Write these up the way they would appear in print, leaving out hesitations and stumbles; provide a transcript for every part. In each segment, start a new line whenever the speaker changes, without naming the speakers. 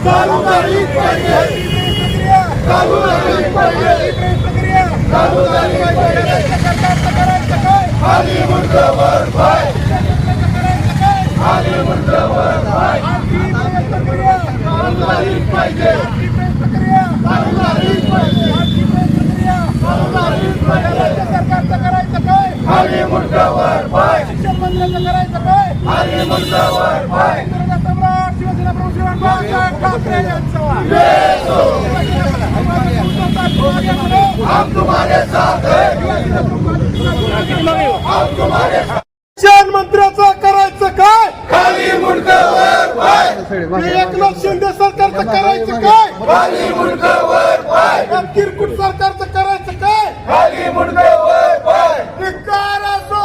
चालू झालीच पाहिजे, चालू झालीच पाहिजे, चालू झालीच पाहिजे. खाली मुंडक वर पाय, खाली मुंडक वर पाय. चालू झालीच पाहिजे, चालू झालीच पाहिजे, चालू झालीच पाहिजे. खाली मुंडक वर पाय, खाली मुंडक वर पाय. हम तुम्हारे साथ हैं, हम तुम्हारे साथ.
शिक्षण मंत्र्याचं करायचं काय?
खाली मुंडक वर पाय,
एकनाथ शिंदे सरकारचं करायचं काय?
खाली मुंडक वर पाय,
किरकुट सरकारचं करायचं काय?
खाली मुंडक वर पाय.
धिक्कार असो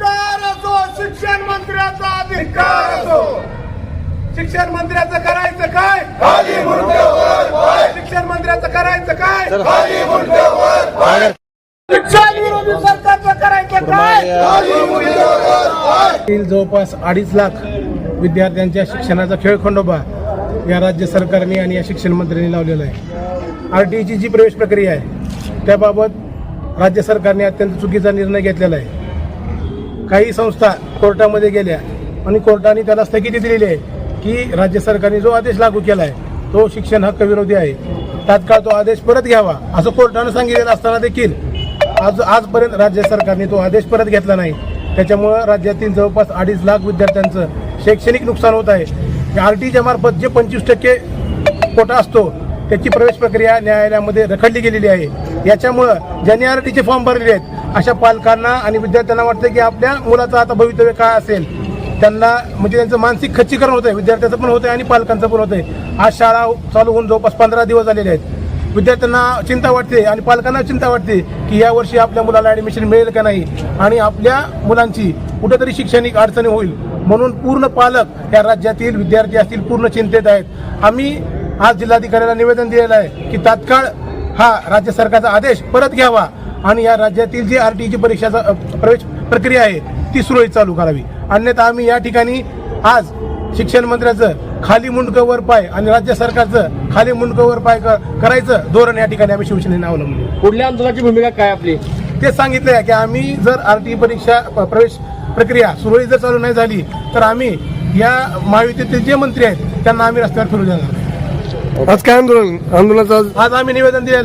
शिक्षण मंत्र्याचा
धिक्कार असो.
शिक्षण मंत्र्याचं करायचं काय?
खाली मुंडक वर पाय,
शिक्षण मंत्र्याचं करायचं काय?
खाली मुंडक वर पाय,
शिक्षण विरोधी सरकारचं करायचं काय?
खाली मुंडक वर पाय.
जवळपास 2.5 लाख विद्यार्थ्यांच्या शिक्षणाचा खेळखंडोबा या राज्य सरकारने आणि या शिक्षण मंत्र्यांनी लावलेला आहे. RTEची जी प्रवेश प्रक्रिया आहे त्याबाबत राज्य सरकारने अत्यंत चुकीचा निर्णय घेतलेला आहे. काही संस्था कोर्टामध्ये गेल्या आणि कोर्टाने त्याला स्थगिती दिलेली आहे की राज्य सरकारने जो आदेश लागू केला आहे तो शिक्षण हक्क विरोधी आहे, तात्काळ तो आदेश परत घ्यावा असं कोर्टानं सांगितलेलं असताना देखील आजपर्यंत राज्य सरकारने तो आदेश परत घेतला नाही. त्याच्यामुळं राज्यातील जवळपास 2.5 लाख विद्यार्थ्यांचं शैक्षणिक नुकसान होत आहे. RTEच्या मार्फत जे 25% कोटा असतो त्याची प्रवेश प्रक्रिया न्यायालयामध्ये रखडली गेलेली आहे. याच्यामुळं ज्यांनी RTEचे फॉर्म भरलेले आहेत अशा पालकांना आणि विद्यार्थ्यांना वाटतं की आपल्या मुलाचं आता भवितव्य काय असेल, त्यांना म्हणजे त्यांचं मानसिक खच्चीकरण होतं आहे, विद्यार्थ्याचं पण होतं आहे आणि पालकांचं पण होतं आहे. आज शाळा चालू होऊन जवळपास 15 दिवस झालेले आहेत. विद्यार्थ्यांना चिंता वाटते आणि पालकांना चिंता वाटते की यावर्षी आपल्या मुलाला ॲडमिशन मिळेल का नाही आणि आपल्या मुलांची कुठेतरी शैक्षणिक अडचणी होईल म्हणून पूर्ण पालक या राज्यातील विद्यार्थी असतील पूर्ण चिंतेत आहेत. आम्ही आज जिल्हाधिकाऱ्याला निवेदन दिलेलं आहे की तात्काळ हा राज्य सरकारचा आदेश परत घ्यावा आणि या राज्यातील जी RTEची परीक्षाचा प्रवेश प्रक्रिया आहे ती सुरळीत चालू करावी. अन्यथा आम्ही या ठिकाणी आज शिक्षण मंत्र्याचं खाली मुंडकं वर पाय आणि राज्य सरकारचं खाली मुंडकं वर पाय करायचं धोरण या ठिकाणी आम्ही शिवसेनेने अवलंबलं.
पुढल्या आंदोलनाची भूमिका काय आपली?
ते सांगितलं आहे की आम्ही जर RTE परीक्षा प्रवेश प्रक्रिया सुरळीत जर चालू नाही झाली तर आम्ही या महायुतीतील जे मंत्री आहेत त्यांना आम्ही रस्त्यावर फिरू देणार.
आज काय आंदोलनाचं
आज आम्ही निवेदन दिलेलं